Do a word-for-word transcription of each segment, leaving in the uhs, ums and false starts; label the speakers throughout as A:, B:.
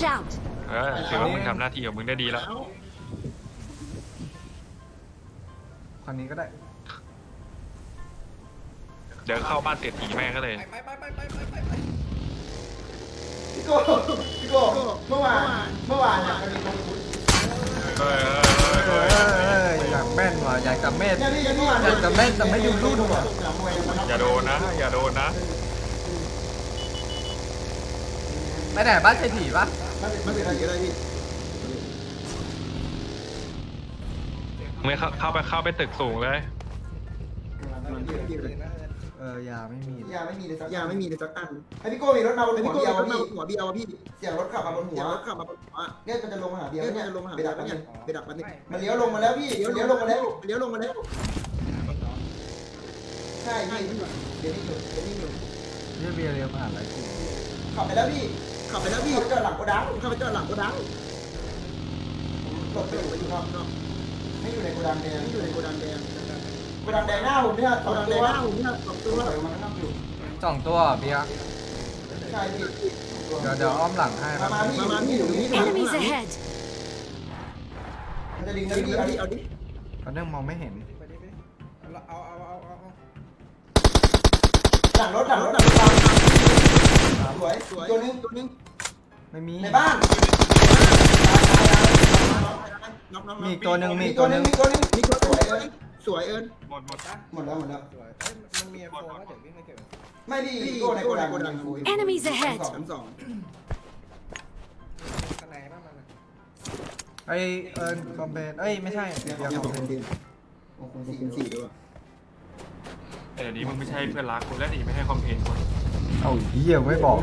A: Watch out
B: เออถือว่ามึงทำหน้าที่ของมึงได้ดีแล้ว
C: คันนี้ก็ได้
B: เดี๋ยวเข้าบ้านเศรษฐีแม่ก็เลย
D: ไปไปไปไปไปไปไป
E: พี่โก้พี่โก้เมื่อวานเมื่อวานเนี่ยมันมีคนพูด
B: เฮ้ย
C: เอออยากแม่นว่ะอยากจะแม่น
E: เนี่ยพี่เมื่อวาน
C: อยากจะแม่นแต่ไม่อยู่รุ่นว่ะ
B: อย่าโดนนะอย่าโดนนะ
C: ไปไหนบ้านเศรษฐีปะ
E: มันเป็นอะไรก็ได้พี่
B: ไม่เข้าเข้าไปเข้าไปตึกสูงเลย
C: เออยาไม่มี
E: ยาไม่มีเลยสัก
D: ยาไม่มีเลยสักอัน
E: ไอพี่โก้มีรถมาบน
D: ไอ
E: หั
D: พี่
E: ว
D: โก้
E: เบียว
D: รถมา
E: พี่
D: หัวเบียวพี่
E: เสียงรถขับมาบนหั
D: เดี๋
E: ว
D: ยวรถขับมาบนหัว
E: เนี่ยมันจะลงมาหาเบียว
D: เดี๋ยว
E: เนี่ย
D: จะลงมาหา
E: ไป
D: เบีย
E: ดัก
D: ว
E: มัน
D: เนี่
E: เนี่ย ย
D: ไปดักมันเนี่ย
E: มันเลี้ยวลงมาแล้วพี่เลี้ยวลงมาแล้ว
D: เลี้ยวลงมาแล้ว
E: ใช่พี่เดี๋ยวนี้อยู่เดี๋ยวนี้อยู่
C: เรียเบียร์เรียมหาอะไรกู
E: ขับไปแล้วพี่
D: ขับไปแล้วพี่
E: ขับไปจอดหลังโกดัง
D: ขับไปจอดหลังโกดัง
E: หลบไปอยู่ไปอยู่นอก
D: นอก
E: ไม่อยู่ในโกดังแดง
D: ที่อยู่ในโกดังแดง
E: โกดังแดงหน้าผมเนี่ย
D: โก
E: สอง
D: ดัง
E: ตั
D: แด
E: ว
D: งหน้าผมเนี่ยสอง
E: ตั
D: ตัว ว
E: ถอยมาข้างนอกอยู่
C: สองตัวเบียร์
E: ใช่พี่
C: เดี๋ยวเดี๋ยวอ้อมหลังให้ค
E: มา
C: รับ
E: มาพี่
D: มามาพี่อยู่ตรงนี้
A: Enemies ahead
E: มันจะดึง
D: เอา
E: นะ
D: ดิ
E: พี่
D: เอา
E: เอา
D: ดิ
E: ดิ
D: เอาดิ
C: ตอนนี้มองไม่เห็น
D: เอาเอาเอาเอา
E: หลังรถหลังรถหลังรถตามสวย
D: สวย
E: ตัวนึง
D: ตัวนึง
C: ไม่มี
E: ในบ้าน
D: น็อกน็อก
C: มีอีกตัวหนึ่งมี
E: มี
C: อีก
E: ตั
C: ตัว วห
E: นึ
C: นึ่
E: ง
C: ง
E: มีตัวนึง
D: นี่ตัว
E: สวย
D: ตัว
E: เลย
D: สวยเอิญ
B: หมดหมดนะ
E: หมดแล้วหมดแล้ว
D: มันมีโฟว่าเดี๋ยววิ่งไปเก็บ
E: ไม่พี่โก้ในโกดังโกดัง
A: Enemies ahead
D: ชั้นสอง
F: ข้างในบ้างมัน
C: ไอเอิร์นคอมเพนเอ้ยไม่ใช่เบียร์
D: ยัง
C: ค
D: ข
C: อ
D: อ
C: ม
D: ง
C: เพ
D: คน
C: น
D: เดียว
E: โอ้โห
D: สี่
E: สี่
D: คูณสี่ด้วย
B: แต่เดี๋ยวนี้มึงไม่ใช่เพื่อนรักกูแล้วนี่ไม่ให้คอมเพลนกู
C: เอาเหี้ยไม่บอก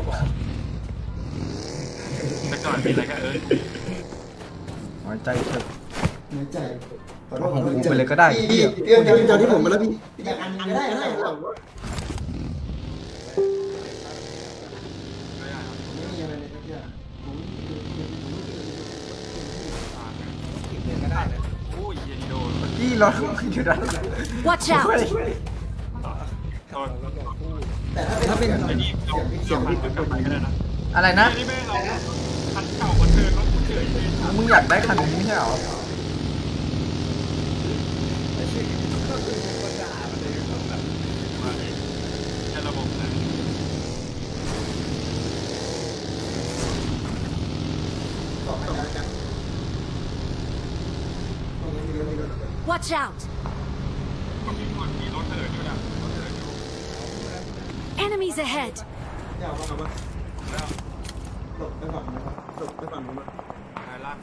B: แต่ก่อนมีอะไรก็เออ
C: น้อยใจเถอะ
E: เนื้อใจขอโท
C: เอา
E: ษ
C: ข
E: ข
C: อ
E: อง โทษ
C: กูไปเลยก็ได้
E: พี่
C: เหี้ย
E: เตรียม
D: เดี๋ยวเดี๋ยวที่ผมมาแล้วพี่
E: อยากอันก็ได้ได้หรอไม่มีอะไรเลยพี่
F: ก็ได้นะ
B: โอ้ยเย็นโดน
C: พี่รถมันอยู่ด้าน
A: Watch
C: เฮ้ย
A: out
B: โดน
E: แต่ถ้าเป็น
B: ไอ้นี่เราเสียงมันกลับไปก็ได้นะ
C: อะไรนะ
B: นี่แม่งเอาคันเก่ามาเทิร์นรถกูเฉยเลย
C: มึงอยากได้คันนี้ไม่ใช่เหรอ
B: มาเลยแค่ระบบนะ
E: สองกันกัน
A: Watch out
B: มีคนมีรถเถิดอยู่นะรถเถิดอยู่
A: Enemies ahead
E: เดี๋ยว
D: เอามา
B: แล้ว
E: หลบไปฝั่งนะครับ
D: หลบไปฝั่งนู้น
B: ใครล่ะ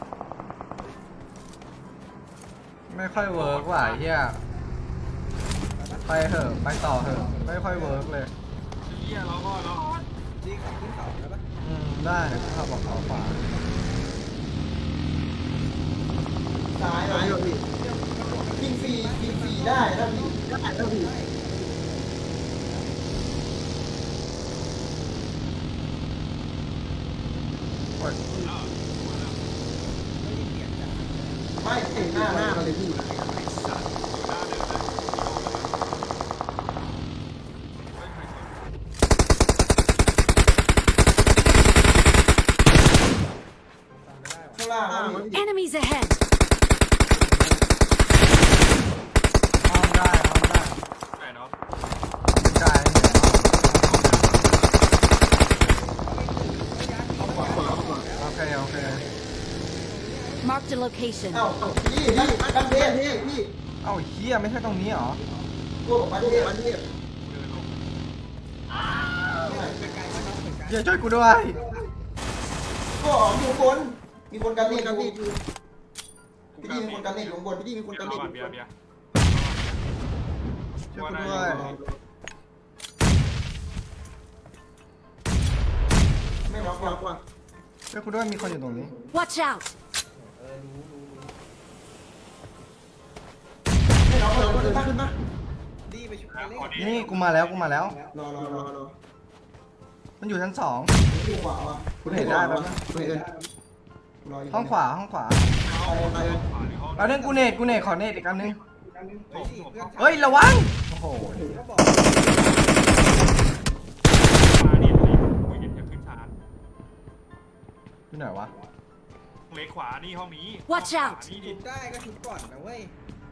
C: ไม่ค่อยเวิร์กว่ะไอ้เหี้ยไปเถอะไปต่อเถอะไม่ค่อยเวิร์กเลย
B: เฮียเราก็เรา
F: ดีขับขึ้นเขาแล้วปะ
C: อืมได้ถ้าบอกเขาขวา
E: ซ้าย
D: ซ้าย
E: เล
D: เหรอย พี่
E: ยิงฟรียิงฟรีได้ถ้าพี่
D: ได้แล้วพี่
C: โอ๊ย
E: ไม่ติดห
D: หน้า
E: น้า
D: ห
E: ห
D: น้า
E: น้า
D: มาเลยพี่
E: ข้างล่าง
D: หน้า
E: นะ
D: มา
E: พี่
D: พี่
A: Enemies ahead
C: อ้อมได้อ้อมได้
B: ไหนเนาะ
C: กายเหนียวโอเคโอเค
A: Marked a location
E: เอ้าพี่พี่บ้านเท
D: เท่
E: พ
D: เท่พี่
C: เอ้าเหี้ยไม่ใช่ตรงนี้เหรอ
E: พวกบ้าน
D: โอ้
E: เทพ
D: วันเทพ
C: เหี้ยช่วยกูด้วย
E: ก็มีคนมีคนกันเนต
D: กัน
E: อ
D: พี่
E: ยู่พี่ดีมีคนกันเนตอยู่ข้างบน
D: พี่ดีมีคนกัน
B: เบี
D: นี่
B: ยร์เบียร์เบียร์
C: ช่วยกูด้วย
E: ไม่น็อก
D: ก
E: น็
D: ว่า
E: อก
D: กว่า
C: ช่วยกูด้วยมีคนอยู่ตรงนี้
A: Watch out
E: ไม่น็อก
D: เรา
E: เรา
D: ก็
E: ก็
D: เดิ
E: เดิ
D: น
E: น
D: ขึ้
E: ขึ้
D: น
E: น
D: ปะ
F: ดีไปชุบไปเล่น
C: นี่กูมาแล้วกูมาแล้ว
D: รอรอรอรอ
C: มันอยู่ชั้นสอง
E: ดีกว่าว่ะ
C: กูเห็นได้ปะ
D: คุณเอิญ
E: รอยู่
C: ห้องขวาห้องขวา
D: ไปเอิญ
C: เอาเรื่องกูเนตกูเนตขอเนตอีกอันนึง
F: เฮ้ยเพื่อน
C: เฮ้ยระวังโอ้โห
F: ก็บอก
B: มาเนี่ยคุยกันจะขึ้นชาร์จ
C: ที่ไหนวะ
B: เล็กขวานี่ห้องนี้
A: Watch
B: ขวา
A: out
B: นี่ดิ
F: ชุบได้ก็ชุบก่อนนะเว้ย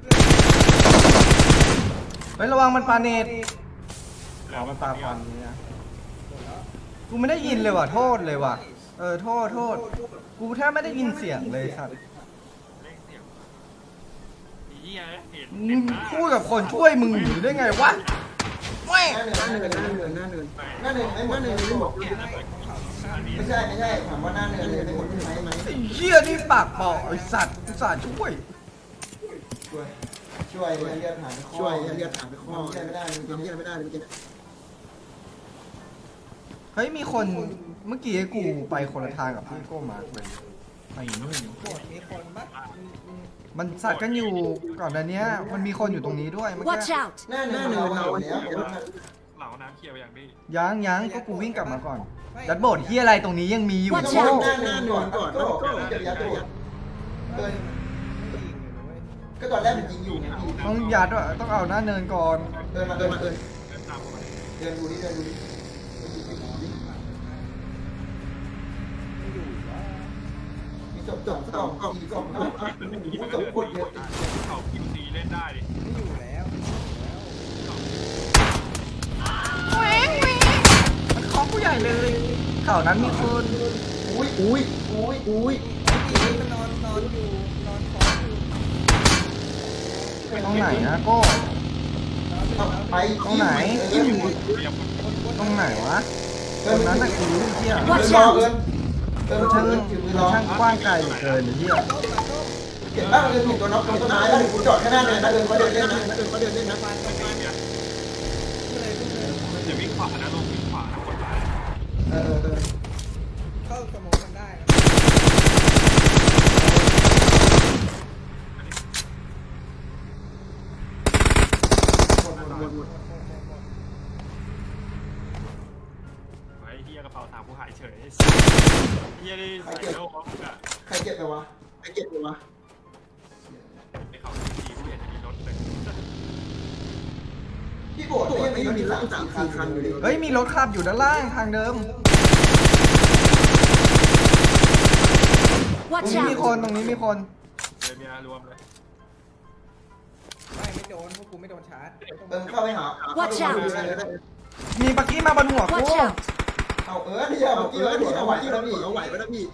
C: เฮ้ยระวังมันปาเนตอ๋อมันปาควันนี่นะกูไม่ได้ยินเลยว่ะโทษเลยว่ะเออโทษโทษกูแทบไม่ได้ยินเสียงเลยสัตว์
B: เล่นเสียงไอ้เหี้ยเห็น
C: มึงพูดกับคนช่วยมึงอยู่ได้ไงวะแม่ง
E: หน้าเนิน
D: หน้าเนินหน้าเนินหน้าเนิน
E: หน้าเนินไม่หมด
D: หน้าเนินไม่หมด
E: ไม่ใช่ไม่ใช่ถามว่าหน้าเนินเลยไม่หมดใช่ไหมไหม
C: ไอ้เหี้ยนี่ปากเปอกไอ้สัตว์อุตส่าห์ช่วย
E: ช่วยช่วยเลือดผ่านไปข้อ
D: ช่วยเรียกถามไปข้อ
E: ทำเหี้ยไม่ได้จริง
D: ทำเหี้ยไม่ได้เลยเมื่อกี้
C: เฮ้ยมีคนเมื่อกี้กูไปคนละทางกับที่โก้มาร์คเลยไปนู่น
F: โกรธมีคนปะอืมอืม
C: มันสัตว์กันอยู่ก่อนหน้านี้มันมีคนอยู่ตรงนี้ด้วยเมื่อ
A: Watch
C: กี้
A: out!
E: หน้าเนินเราเอาแล้วเดี๋ยวมัน
B: เหล่าน้ำเคียวอย่างนี้
C: ยังยังก็กูวิ่งกลับมาก่อนดัดโบดเฮียอะไรตรงนี้ยังมีอยู่
A: Watch
E: ต้
A: out
E: องหน้าเนินก่อนก่อนก็จะยัดตัวเกิน
F: ไม่ยิงเลยนะเว้ย
E: ก็ตอนแรกมันยิงอยู่
C: ต้องยัดว่าต้องเอาหน้าเนินก่อน
E: เดินมา
D: เดิ
E: เดิ
D: น
E: น
D: มา
E: มา
D: เดิ
E: เดิ
D: น
E: น
B: เดินตามเข้ามา
E: เดินดูดิเดินดูดิ
F: ไม่อยู่วะ
E: มีศพศพศพศพศพศพโคตรเยอะ
B: เขาคิวซีเล่นได้ดิ
F: ไม่อยู่แล้วไม่อยู่แล้ว
C: มันเคาะผู้ใหญ่เลยข่าวนั้นมีคน
E: อุ้ยอุ้ยอุ้ยอุ้ย
F: ไอ้มันนอนนอนอยู่นอนคออยู่
C: ตรงไหนนะโก้
E: ไป
C: ตรงไหน
B: เรียบ
C: ตรงไหนวะต
E: เดิ
C: ร
E: น
C: ง
E: นั้
C: นั้น
E: น
C: น่ะกูรู้เที่ย
E: เดินรอเดินเดิน
C: มัน
E: ช่า
C: ช่าง ง
E: ถือมือ
C: มั
E: ร
C: น
E: อ
C: ช่างกว้างไกลเหลือเกินไอ้เหี้ย
E: เก็บบ้างเดินถูกตัวน็อกตรงต้นไม้แล้วกูจอดแค่หน้าเดินนะเดินก็เดินเล่นนะ
D: เดินก็เดินเล่นนะ
B: จะวิ่งขวานะลงวิ่งขวานะคนร้าย
E: เออเออ
F: เข้าสมองมันได้นะ
D: หมดหมดหมดหมด
B: ไอ้เหี้ยกระเป๋าถามผู้หายเฉยเหี้ยนี่ใส่โลกอ่ะ
E: ใครเก็บไปวะ
D: ไอ้เก็บเลยวะ
B: ไอ้เขาดีผู้เห็นจะมีรถเลย
E: พี่โบดยังไม่มีสามสี่คันอยู่เลย
C: เฮ้ยมีรถขับอยู่ด้านล่างทางเดิม ตรง
A: Watch
C: นี้มีคน
A: out!
C: ตรงนี้มีคน
B: เลยเมียรวมเลย
F: ไม่ไม่โดนพวกกูไม่โดนชาร์จไม่ต้อง
E: เออเข้าไปหา
A: Watch out
C: มีปักกี้มาบนหัวกู
A: Watch out!
E: เอาเออที่เอา
D: เอา
E: เมื่อกี้
D: เออ
E: แล้ว
D: พี่
E: ที่
D: เอา
E: เอา
D: ไหว
E: ไว้ที่
D: แล้
E: เรา
D: ว
E: พี่
D: พี่เอาไหวแล้วพี่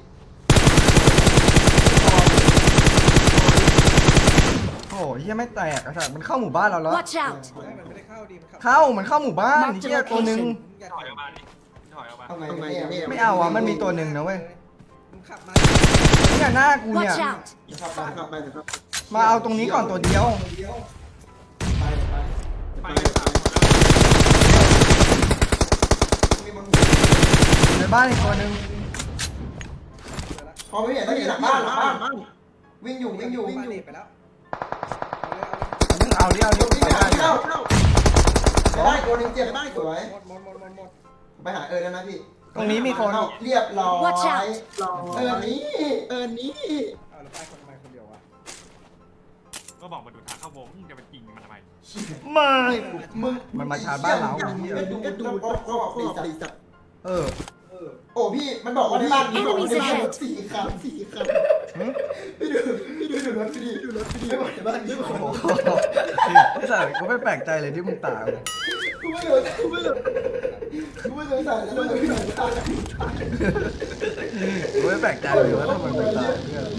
C: โอ้ยเหี้ยไม่แตกอะสัตว์มันเข้าหมู่บ้านเราแล้ว
A: Watch out!
F: ไม่มันไม่ได้เข้าดีมัน
C: เข้ามันเข้าหมู่บ้านเหี้ยตัวหนึ่ง
F: อย่า
B: ถอยออกมาดิถอยออกมา
E: ทำไงเนี่ย
C: ไม่เอาอ่ะมันมีตัวหนึ่งนะเว้ย
F: มึงขับมา
C: เนี่ยหน้ากูเนี่ย
A: Watch out!
E: ขับไป
D: ขับไปนะครับ
C: มาเอาตรงนี้ก่อนตัวเดียว
E: ไปไป
B: ไปเลยสามคนแล้ว
E: มีบนหัว
C: ในบ้านอีกตัวหนึ่ง
E: พอไม่เห็นต้องอยู่หลังบ้านหลังบ้านวิ่งอยู่วิ่งอยู่วิ่ง
F: ปา
E: อยู่
F: เน็ตไปแล้วเอาเลยเอาเลย
C: เอาดิเอาดิ
E: วิ่ง
C: ไป
E: ไป
C: ได้
E: หาที่เข้าจะได้ตัวนึงเจ็บได้สวย
F: หมดหมดหมดหมดหมด
E: ไปหาเออแล้วนะพี่
C: ตรงนี้มีคน
E: เรียบร้อย
A: Watch out
E: เออนี้
D: เออนี้
F: เอาแล้วไปคนไปคนเดียววะ
B: ก็บอกมาดูทางเข้าวงจะไปจริงมันทำไม
C: ไม่
E: มึง
C: มันมาชาร์จบ้านเรา
E: ไปดูดูดูก็บอกสี่สัตว์
D: สัตว์
C: เออ
E: โอ้พี่มันบอกว่าที่บ้านมีบอกว่า
A: Enemies
E: ที่บ้าน
A: ahead
E: สี่คันสี่คัน
C: หึ
E: พี่ดูพี่ดูดูรถพี่ดูรถพี่ไม่บอกที่บ้านนี่บอก
C: โอ้โหไอ้สัตว์กูไม่แปลกใจเลยที่มึงตาย
E: กูไม่รู้กูไม่รู้กูไม่รู้ใส่แล้วมึงพี่หนูตาย
C: กูไม่แปลกใจเลยว่าทำไมมึงตายเพื่อน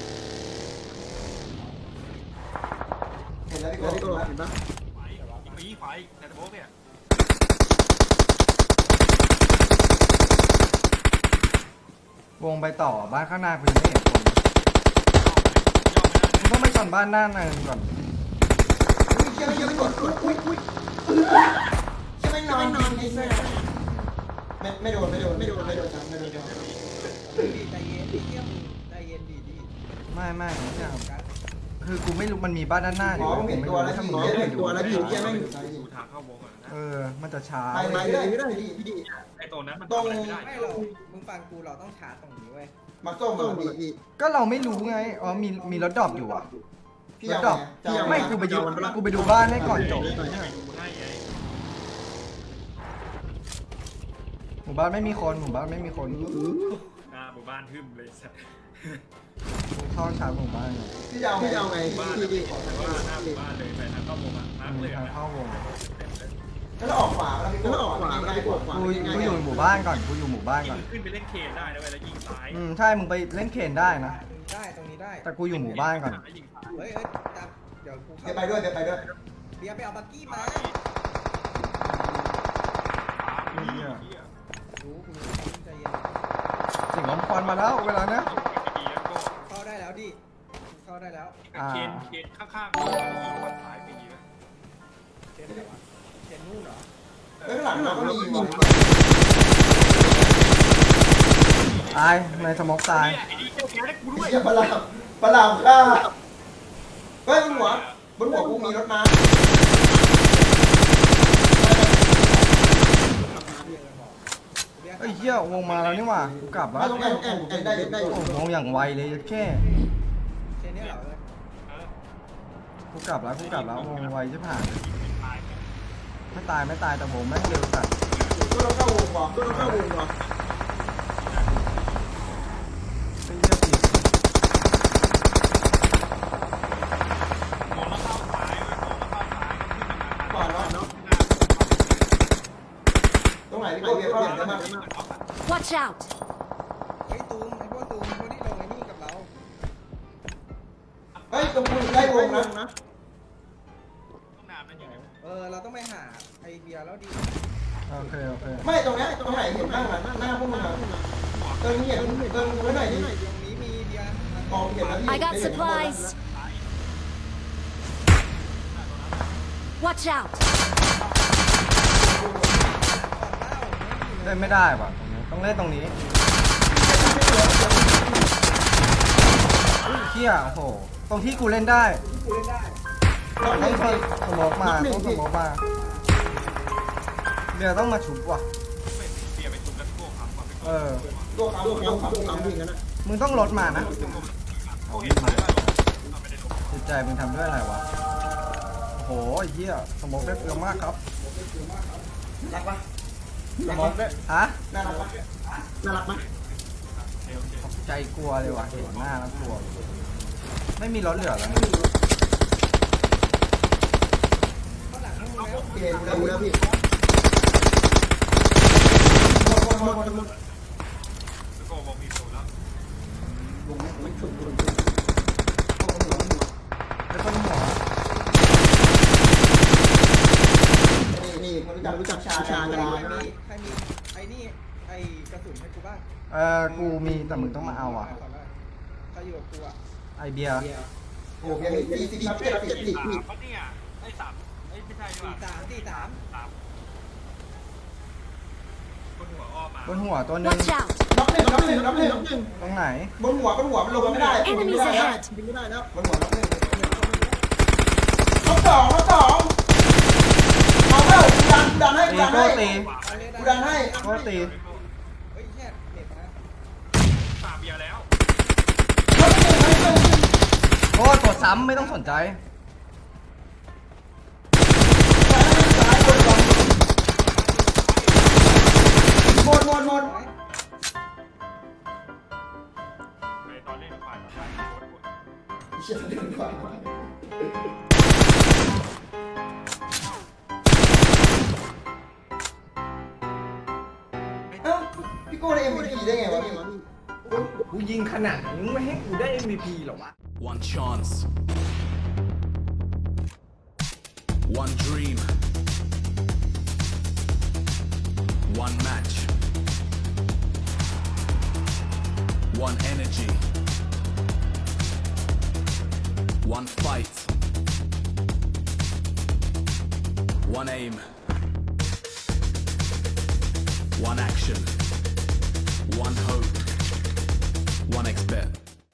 E: เห็นแล้วพี่
D: แล้ว
E: โก้
D: พี่โก้เห็นปะ
B: ไฟอีกไฟแต่ตะโบกเนี่ยว
C: งไปต่อบ้านข้างหน้ากูยังไม่เห็นคน
B: ย่อไม่ได้
C: มึงต้องไปก่อนบ้านหน้าหนึ่งก่อน
E: เชื่อไม่เชื่อไม่กดอุ้ยอุ้ยเชื่อไม่นอนนอนไอ้แม่ไม่ไม่โดนไม่โดนไม่โดนไม่โดนจังไม่โดนจัง
F: ดีใจเย็นดีเที่ยมใจเย็นดีดี
C: ไม่ไม่ไม่ใช่
F: กัน
C: คือกูไม่รู้มันมีบ้านด้านหน้าอ
E: หม
C: ยู่
E: อมึงเห็นตัวแล้ว
C: ถ้า
E: พี่
C: มึง
E: เห็
C: ไม่
E: น
C: ไปดู
E: ตัวแล้วพี่แค่แม่ง
B: ดูทางเข้าวงก่อนนะ
C: เออมันจะช้า
E: ไปไปได้ไม่ได้พี่พี่
B: ไอ้ตัวนั้นมัน
E: ตรง
B: ทำอะไรไม่ได้
F: ไม่เรามึงฟังกูเราต้องชาร์จตรงนี้เว้ย
E: มาส้ม
D: ต้
E: มา
D: อง
E: พี่
D: พี่
C: ก็เราไม่รู้ไงอ๋อมีมีรถดรอปอยู่อ่ะ
E: พี่
C: รถ
E: เอา
C: ดรอป
E: พี่เอา
C: ไม่กูไปดูกูไปดูบ้านให้ก่อนจบ
B: จะไปดูให้ไง
C: หมู่บ้านไม่มีคนหมู่บ้านไม่มีคน
B: อ่าบุบ้านทึมเลยสัตว์
C: กูเข้าชาร์จหมู่บ้านไง
E: พี่จะเอาพี่จะเอาไง
B: บ้าน
E: พี่
B: ที่
E: พี่
B: ที่ว่าหน้าหมู่บ้านเลยไปทางเข้าวงอ่ะมาร์คเหลือง
C: ทาง
B: อะ
C: เข้าวง
E: แล้วเราออกขวาแล้วพี่ก็ออกขวาง่ายกว่า
C: กูกูอยู่หมู่บ้านก่อนกูอยู่หมู่บ้าน
B: ยิ
C: ก่อน
B: งขึ้นไปเล่นเคนได้นะเว้ยแล้วยิงซ้าย
C: อืมใช่มึงไปเล่นเคนได้นะ
F: ได้ตรงนี้ได้
C: แต่กูอยู่หมู่บ้านก่อน
B: ยิงซ้าย
F: เฮ้ยเฮ้ยจับเดี๋ยวกู
E: เดี๋ยวไปด้วยเดี๋ยวไปด้วย
F: เบียร์ไปเอาบักกี้มา
C: เหี้ย
F: รู้กูรู้ความใจเย็น
C: สิ่งล้มควันมาแล้วเวลาเนี้ย
B: ดีแล้วก็
F: เข้าได้แล้วดิกูเข้าได้แล้ว
C: อ่า
B: เคนเคนข้างๆยิงวันท้ายไปดีนะ
F: เชนไหนวะเชนนู่นเหรอ
E: เฮ้ยข้างหลังเราก็มีว่ะ
C: ตายในสมอกตาย
B: ไอ้นี่จะแพ้ได้กูด้วย
E: เหี้ยปลาลามปลาลามฆ่าเฮ้ยบนหัวบนหัวกูมีรถม้า
C: ไอ้ยเหี้ยวงมาแล้วนี่หว่ากูกลับแล้ว
E: ไม่ต้องแอนแอนแอนได้ได้อยู่
C: โอ้โหวงอย่างไวเลยแค่
F: เชนเนี่ยเหรอเว้ย
C: กูกลับแล้วกูกลับแล้ววงไวจะผ่าน
B: ตาย
C: ไม่ตายไม่ตายแต่วงแม่งเร็วจัด
E: ก็ต้องเข้าวงว่ะก็ต้องเข้าวงว่ะ
C: ไอ้เหี้ยปีก
B: มองแล้วเข้าซ้ายเว้ยมองแล้วเข้าซ้ายก็ขึ้นมา
E: ก่อนเนาะเนาะตรงไหนพี่โก้เบียร์เข้าหลังได้มั้ย
A: Watch out!
F: เฮ้ยตูมไอ้พวกตูมพวกที่ลงไอ้นี่กับเรา
E: เฮ้ยตรงกูได้วงนะ
B: ต้องนานนั่นยังไง
F: เออเราต้องไปหาไอเบียร์แล้วดิ
C: โอเคโอเค
E: ไม่ตรงเนี้ยตรงไหนเห็นบ้างอ่ะหน้าพวกมึงอ่ะเติมเห็นเติมไว้หน่อยดิ
F: ตรงนี้มีเบียร์
E: มองเห็นแล้วพี่
A: I got supplies! Watch out!
C: เล่นไม่ได้ว่ะตรงนี้ต้องเล่นตรงนี้เหี้ยโอ้โหตรงที่กูเล่นได้
E: น้องห
C: ต้
E: นึ่
C: อง
E: ง
C: สโมกมาต้องสโมกมาเดี๋ยวต้องมาชุบว่ะ
B: เป็นเบียร์ไปทุบแล้วโก้ครับความเป็น
C: เออ
E: ตัวเขาตัวเขาตัวเขาวิ่งกันนะ
C: มึงต้องลดมานะ
B: โก้เห็นซ้ายป่ะเราไม่ได้ลง
C: จิตใจมึงทำด้วยอะไรวะโอ้โหไอ้เหี้ยสโมกได้เยอะมากครับ
E: รักปะ
C: สโมกได้ฮะ
E: น่ารักปะน่ารักปะ
B: เร็วเร็ว
C: ใจกลัวเลยว่ะเห็นหน้าแล้วกลัวไม่มีรถเหลือแล้ว
F: ข้างหลังพวกมึงแล้ว
E: พี่เห็นแล้วแล้วพี่หมดหมดหมดหมด
B: โก้บอกมีสูตรแล้ว
E: วงไม่ฉุดฉุด
C: ไม่ต้องหัว
E: นี่นี่รู้จักรู้จักชาชา
F: ใค
E: กัน
F: ร
E: ไหม
F: มีใครมีไอ้นี่ไอ้กระสุนให้กูบ้าง
C: เออกูมีแต่มึงต้องมาเอาอ่ะ
F: ขอหน่อยใครอยู่กับกูอ่ะ
C: ไอเบียร์
E: โอ้ยสี่สิบเจ็ดเจ็ดสิบ
B: สามปะเนี่ยไอ้สามไอ้ไม่ใช่ดีก
F: สี่
B: ว่า
F: สามสี่สาม
B: สามบนหัวอ้อมมา
C: บนหัวตัวหนึง
A: Watch out!
E: น็อกหนึ่งน็อกหนึ่งน็อกหนึ่งน็อกหนึ่ง
C: ตรงไหน
E: บนหัวบนหัวมันลงไม่ได้
A: Enemies ahead!
E: ไม่ได้แล้วบนหัวน็อกหนึ่งน็อกสองน็อกสองเอาเข้ากูดันกูดันให้กู
C: ตี
E: ดัน
C: โก้
E: ให้
C: ตี
E: กูดันให้
C: โก้ตี
F: เฮ้ยแค่เน็ตนะ
B: สามเบียร์แล้ว
E: น็อกหนึ่งน็อกหนึ่ง
C: โก้กดซ้ำไม่ต้องสนใจ
E: หมดหมดหมด
B: ไปตอนเล่นฝ่ายฝ่ายโคตรโหด
E: เชี่ยเล่นกว่าเอ้าพี่โก้ได้ เอ็ม วี พี ได้ไงวะพี่
C: กูยิงขนาดนี้ไม่ให้กูได้ เอ็ม วี พี หรอวะ
G: One chance. One dream. One match. One energy. One fight. One aim. One action. One hope. One expert.